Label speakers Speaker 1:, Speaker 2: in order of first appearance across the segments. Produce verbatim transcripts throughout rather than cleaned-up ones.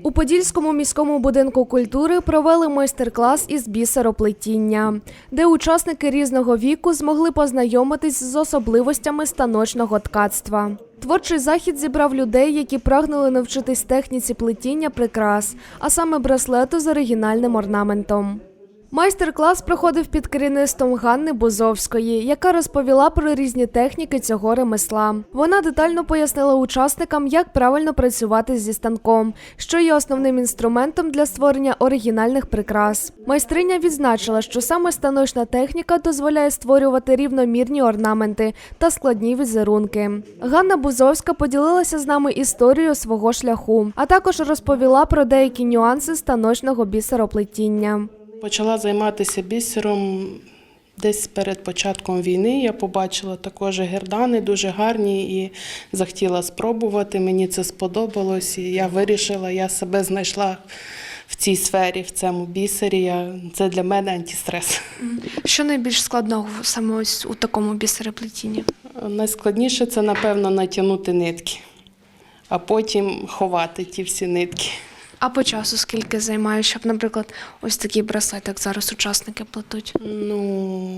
Speaker 1: У Подільському міському будинку культури провели майстер-клас із бісероплетіння, де учасники різного віку змогли познайомитись з особливостями станочного ткацтва. Творчий захід зібрав людей, які прагнули навчитись техніці плетіння прикрас, а саме браслету з оригінальним орнаментом. Майстер-клас проходив під керівництвом Ганни Бузовської, яка розповіла про різні техніки цього ремесла. Вона детально пояснила учасникам, як правильно працювати зі станком, що є основним інструментом для створення оригінальних прикрас. Майстриня відзначила, що саме станочна техніка дозволяє створювати рівномірні орнаменти та складні візерунки. Ганна Бузовська поділилася з нами історією свого шляху, а також розповіла про деякі нюанси станочного бісероплетіння.
Speaker 2: Почала займатися бісером десь перед початком війни. Я побачила також гердани, дуже гарні, і захотіла спробувати. Мені це сподобалось, і я вирішила, я себе знайшла в цій сфері, в цьому бісері. Я, це для мене антистрес.
Speaker 1: Що найбільш складного саме ось у такому бісероплетінні?
Speaker 2: Найскладніше – це, напевно, натягнути нитки, а потім ховати ті всі нитки.
Speaker 1: А по часу скільки займає, щоб, наприклад, ось такий браслет, як зараз учасники плетуть?
Speaker 2: Ну,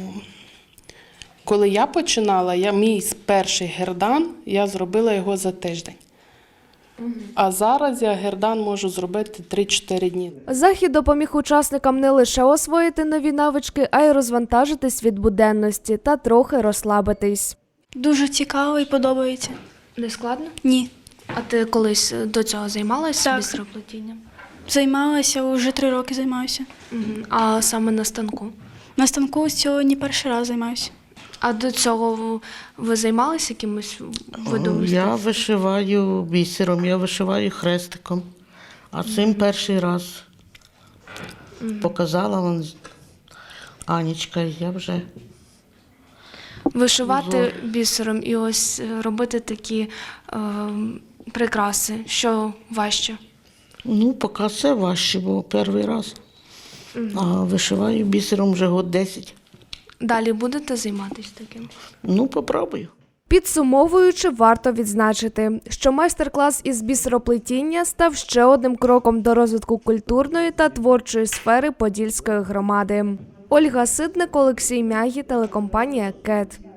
Speaker 2: коли я починала, я, мій перший гердан, я зробила його за тиждень. Угу. А зараз я гердан можу зробити три-чотири дні.
Speaker 1: Захід допоміг учасникам не лише освоїти нові навички, а й розвантажитись від буденності та трохи розслабитись.
Speaker 3: Дуже цікаво і подобається.
Speaker 1: Не складно?
Speaker 3: Ні.
Speaker 1: А ти колись до цього займалася
Speaker 3: Так.
Speaker 1: бісероплетінням?
Speaker 3: Займалася, вже три роки займаюся.
Speaker 1: Угу. А саме на станку?
Speaker 3: На станку сьогодні перший раз займаюся.
Speaker 1: А до цього ви займалися якимось видом?
Speaker 4: Я вишиваю бісером, я вишиваю хрестиком. А цим перший раз показала вам Анічка, і я вже...
Speaker 1: Вишивати бісером і ось робити такі е, прикраси, що важче?
Speaker 4: Ну, поки це важче, бо перший раз. А вишиваю бісером вже год десять.
Speaker 1: Далі будете займатися таким?
Speaker 4: Ну, попробую.
Speaker 1: Підсумовуючи, варто відзначити, що майстер-клас із бісероплетіння став ще одним кроком до розвитку культурної та творчої сфери Подільської громади. Ольга Ситник, Олексій Мягі, телекомпанія «Кет».